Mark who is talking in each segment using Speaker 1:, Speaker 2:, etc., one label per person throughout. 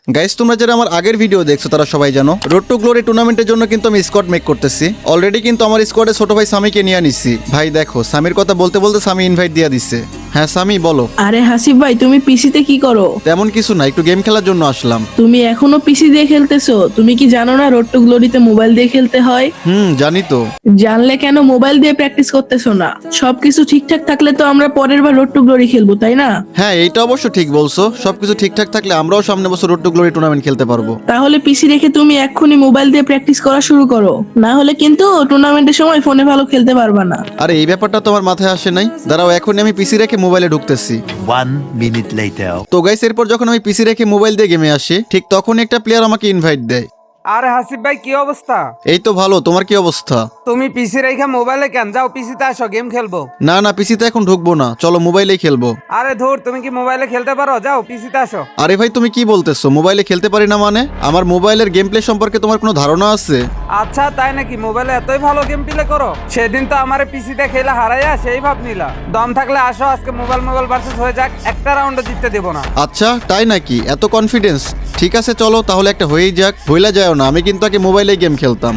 Speaker 1: Guys তোমরা যারা আমার আগের ভিডিও দেখছো তারা সবাই জানো রোড টু গ্লোরি টুর্নামেন্টের জন্য কিন্তু আমি স্কোয়াড মেক করতেছি। অলরেডি কিন্তু আমার স্কোয়াডে ছোট ভাই সামিকে নিয়ে নিচ্ছি। ভাই দেখো সামির কথা বলতে বলতে সামি ইনভাইট দিয়ে দিচ্ছে। হ্যাঁ সামি বলো।
Speaker 2: আরে হাসিব ভাই, তুমি পিসিতে কি করো?
Speaker 1: তেমন কিছু না, একটু গেম খেলার জন্য আসলাম।
Speaker 2: তুমি এখনো পিসি দিয়ে খেলতেছো? তুমি কি জানো না রোড টু গ্লোরিতে মোবাইল দিয়ে খেলতে হয়?
Speaker 1: জানি তো।
Speaker 2: জানলে কেন মোবাইল দিয়ে প্র্যাকটিস করতেছো না? সবকিছু ঠিকঠাক থাকলে তো আমরা পরের বার রোড টু গ্লোরি খেলবো, তাই না?
Speaker 1: হ্যাঁ এইটা অবশ্য ঠিক বলছো, সবকিছু ঠিকঠাক থাকলে আমরাও সামনে বছর রোড টু গ্লোরি টুর্নামেন্ট খেলতে পারবো।
Speaker 2: তাহলে পিসি রেখে তুমি এক্ষুনি মোবাইল দিয়ে প্র্যাকটিস করা শুরু করো, না হলে কিন্তু টুর্নামেন্টের সময় ফোনে ভালো খেলতে পারবা না।
Speaker 1: আরে এই ব্যাপারটা তো আমার মাথায় আসে নাই। দাঁড়াও এখনই আমি পিসি রেখে মোবাইলে ঢুকতেছি।
Speaker 3: 1 minute later.
Speaker 1: তো গাইস এরপর যখন আমি পিসি রেখে মোবাইল দিয়ে গেমে আসি, ঠিক তখনই একটা প্লেয়ার আমাকে ইনভাইট দেয়।
Speaker 4: আরে হাসিব ভাই কি অবস্থা?
Speaker 1: এই তো ভালো, তোমার কি অবস্থা?
Speaker 4: তুমি পিসি রেখে মোবাইলে কেন যাও? পিসিতে আসো, গেম খেলবো।
Speaker 1: না না পিসিতে এখন ঢুকবো না, চলো মোবাইলেই খেলবো।
Speaker 4: আরে ধুর, তুমি কি মোবাইলে খেলতে পারো? যাও পিসিতে আসো।
Speaker 1: আরে ভাই তুমি কি বলতেছো মোবাইলে খেলতে পারি না মানে? আমার মোবাইলের গেম প্লে সম্পর্কে তোমার কোনো ধারণা আছে?
Speaker 4: আচ্ছা তাই নাকি? মোবাইলে এতই ভালো গেম প্লে করো? সেদিন তো আমার পিসিতে খেলে হারাইয়া সেই ভাব নিলা। দম থাকলে আসো, আজকে মোবাইল ভার্সেস হয়ে যাক, একটা রাউন্ডও জিততে দেবো না।
Speaker 1: আচ্ছা তাই নাকি? এত কনফিডেন্স? ঠিক আছে চলো তাহলে একটা হয়েই যাক। ভইলা যায় না, আমি কিন্তু আগে মোবাইলে গেম খেলতাম।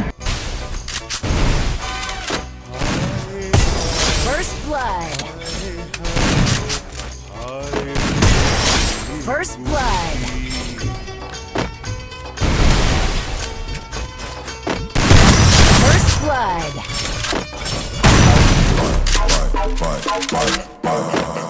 Speaker 5: First blood. First blood. First blood.